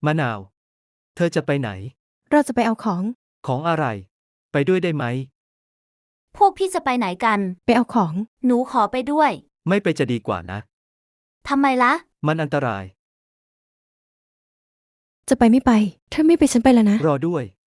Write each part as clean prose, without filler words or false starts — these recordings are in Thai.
มะนาว เธอจะไปไหนเราจะไปเอาของของอะไร ไปด้วยได้ไหมพวกพี่จะไปไหนกันไปเอาของหนูขอไปด้วยไม่ไปจะดีกว่านะทำไมล่ะมันอันตรายจะไปไม่ไป ถ้าไม่ไปฉันไปแล้วนะรอด้วย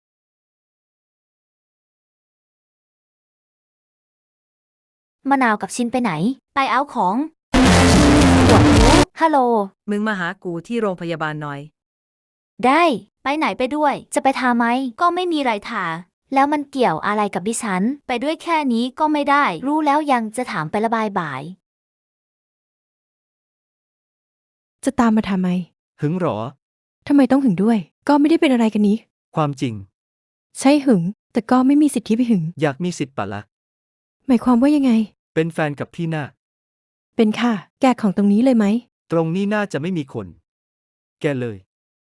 มะนาวกับชินไปไหน ไปเอาของปวดหูฮัลโหลมึงมาหากูที่โรงพยาบาลหน่อยได้ ไปไหนไปด้วย จะไปทาไหม ก็ไม่มีไรทา แล้วมันเกี่ยวอะไรกับดิฉัน ไปด้วยแค่นี้ก็ไม่ได้ รู้แล้วยังจะถามไประบายบ่ายจะตามมาทำไมหึงหรอทำไมต้องหึงด้วย ก็ไม่ได้เป็นอะไรกันนี้ความจริงใช่หึง แต่ก็ไม่มีสิทธิ์ที่ไปหึงอยากมีสิทธิ์ปะละหมายความว่ายังไงเป็นแฟนกับพี่น่าเป็นค่ะ แกของตรงนี้เลยไหมตรงนี้น่าจะไม่มีคน แกเลย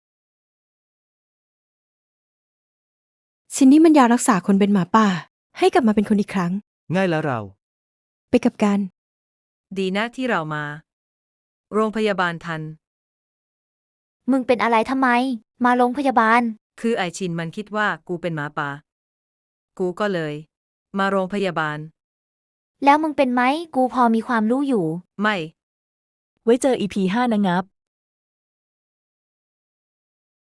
ชิ้นนี้มันยารักษาคนเป็นหมาป่า ให้กลับมาเป็นคนอีกครั้งง่ายแล้วเราไปกับกันดีนะที่เรามา โรงพยาบาลทันมึงเป็นอะไรทำไม มาโรงพยาบาลคือไอชินมันคิดว่ากูเป็นหมาป่า กูก็เลย มาโรงพยาบาลแล้วมึงเป็นไหม กูพอมีความรู้อยู่ไม่ไว้เจอ EP 5 นะงับ